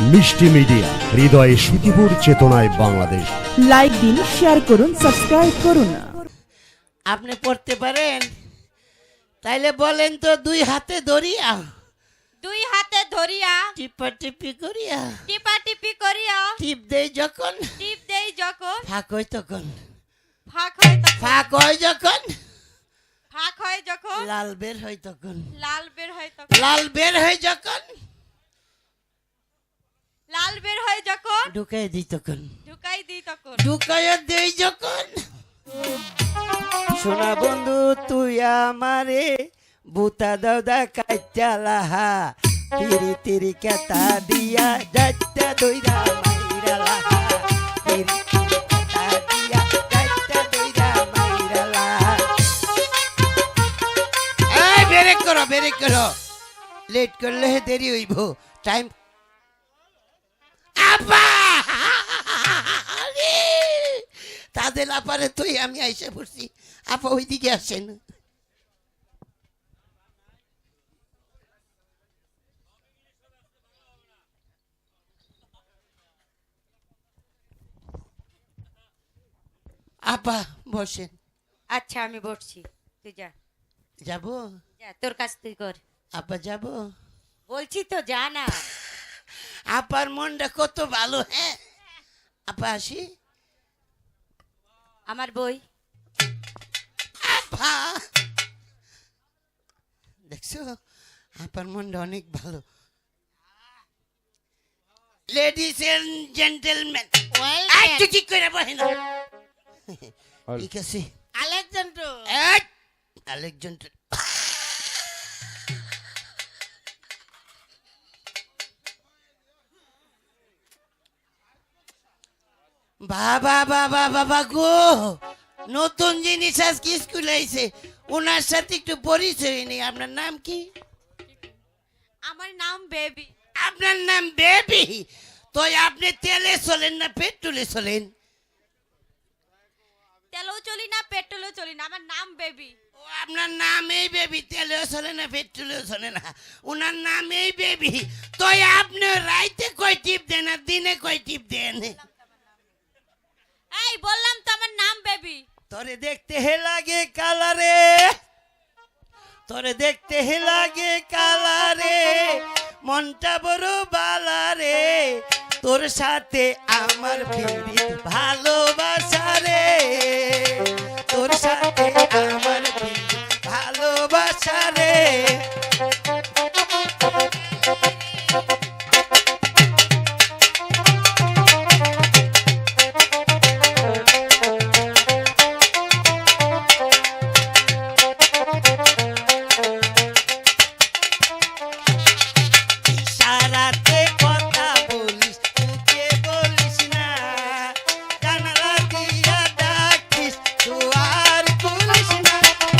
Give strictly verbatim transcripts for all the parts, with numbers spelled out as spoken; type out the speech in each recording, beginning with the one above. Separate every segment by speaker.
Speaker 1: মিষ্টি মিডিয়া, হৃদয়ে সুখীপুর, চেতনায় বাংলাদেশ।
Speaker 2: লাইক দিন, শেয়ার করুন, সাবস্ক্রাইব করুন।
Speaker 3: আপনি পড়তে পারেন? তাইলে বলেন তো, দুই হাতে ধরিয়া
Speaker 4: দুই হাতে ধরিয়া
Speaker 3: টিপা টিপি করিয়া
Speaker 4: টিপা টিপি করিয়া
Speaker 3: টিপ দেই যখন
Speaker 4: টিপ দেই যখন
Speaker 3: ফাঁক হয় তখন,
Speaker 4: ফাঁক হয় তখন
Speaker 3: ফাঁক হয় যখন
Speaker 4: ফাঁক হয় যখন
Speaker 3: লাল বের হয় তখন,
Speaker 4: লাল বের হয় তখন
Speaker 3: লাল বের হয় যখন
Speaker 4: লাল বের হয় যখন
Speaker 3: ঢুকাই দিই তখন,
Speaker 4: ঢুকাই দিই তখন
Speaker 3: ঢুকাইয়া দেই যখন। সোনা বন্ধু তুই আমারে বুতা দাউদা কাইচালাহা, তিরি তিরি কেতা দিয়া যাইতা দইরা মাইরা লাহা, তিরি তিরি কেতা দিয়া যাইতা দইরা মাইরা লাহা। এই ব্রেক করো, ব্রেক করো, লেট করলে দেরি হইব। টাইম আপা তাদের আপারে তুই আমি আইসা পড়ছি। আপা ওইদিকে আসেন। আপা বসেন।
Speaker 4: আচ্ছা আমি বসছি, তুই যা
Speaker 3: যাবো?
Speaker 4: যা তোর কাজ তুই কর।
Speaker 3: আপা যাবো?
Speaker 4: বলছি তো যা না।
Speaker 3: আপার মনটা কত ভালো। হ্যাঁ আপা আসি।
Speaker 4: আমার বই
Speaker 3: আপা দেখছো, আপার মনটা অনেক ভালো। লেডিস এন্ড জেন্টলম্যান, একটু ঠিক করে বসেন। ঠিক আছে।
Speaker 4: আলেকজান্ডার
Speaker 3: এই, আলেকজান্ডার বাবা বাবা বাবা গো, নতুন জিনিস আজকে স্কুলে আইছে। ওনার সাথে একটু পরিচয় নেই। আপনার নাম কি?
Speaker 4: আমার নাম বেবি।
Speaker 3: আপনার নাম বেবি? তো আপনি তেলে চলেন না পেট্রোলে চলেন?
Speaker 4: তেলও চলি না পেট্রোলও চলি না, আমার নাম বেবি।
Speaker 3: ও আপনার নাম এই বেবি, তেলেও চলে না পেট্রোলেও চলে না, ওনার নাম এই বেবি। তো আপনি রাইতে কয় টিপ দেন আর দিনে কয় টিপ দেন?
Speaker 4: এই বললাম তো আমার নাম বেবি।
Speaker 3: তোরে দেখতে হে লাগে কালারে, তোরে দেখতে হে লাগে কালারে, মনটা বড় বালারে, তোর সাথে আমার ফিরিত ভালোবাসা রে, তোর সাথে আমার ফিরিত ভালোবাসা রে। ইশারাতে কথা বলিস, মুখে বলিস না, জানালা দিয়া ডাকিস, দুয়ার খুলিস না।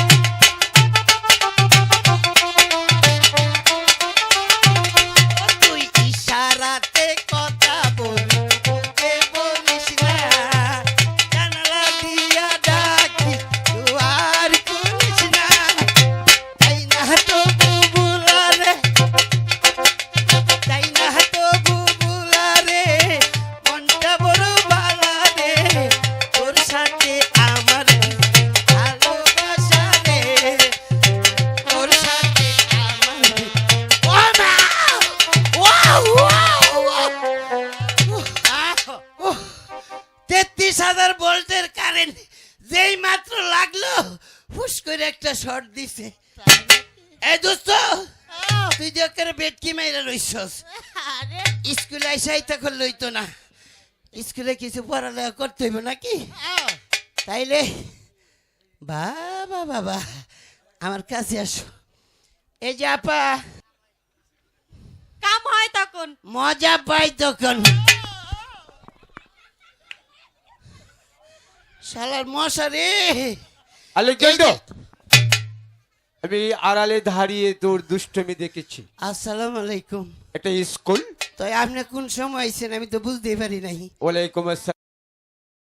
Speaker 3: ও তুই ইশারাতে কথা বলিস, মুখে বলিস না, জানালা দিয়া ডাকিস, দুয়ার খুলিস না। তাই না তো বুবুলারে, তাই না তো বুবুলারে, মনটা বড় বালারে, তোর সাথে আমার ভালোবাসা রে, তোর সাথে আমার। ও মা! Wow, wow, wow! উহ, তেত্রিশ হাজার ভোল্টের কারেন্ট যেই মাত্র লাগলো, হুশ করে একটা শর্ট দিছে। এই দোস্ত, তুই যে করে বেটকি মাইরা রইছস। স্কুলে আইসাই তখন লইতো না, স্কুলে কিছু পড়ালেখা করতে হইব নাকি? তাইলে বাবা বাবা আমার কাছে আসো। এই যে আপা
Speaker 4: কাম হয় তখন
Speaker 3: মজা পাই তখন। শালার মশা রে।
Speaker 5: আলেকজান্ডার, আমি আড়ালে দাঁড়িয়ে তোর দুষ্টমি দেখেছি।
Speaker 3: আসসালামু আলাইকুম।
Speaker 5: একটা স্কুল।
Speaker 3: তো আপনি কোন সময় আইছেন আমি তো বুঝতে পারি নাই।
Speaker 5: ওয়ালাইকুম আসসালাম।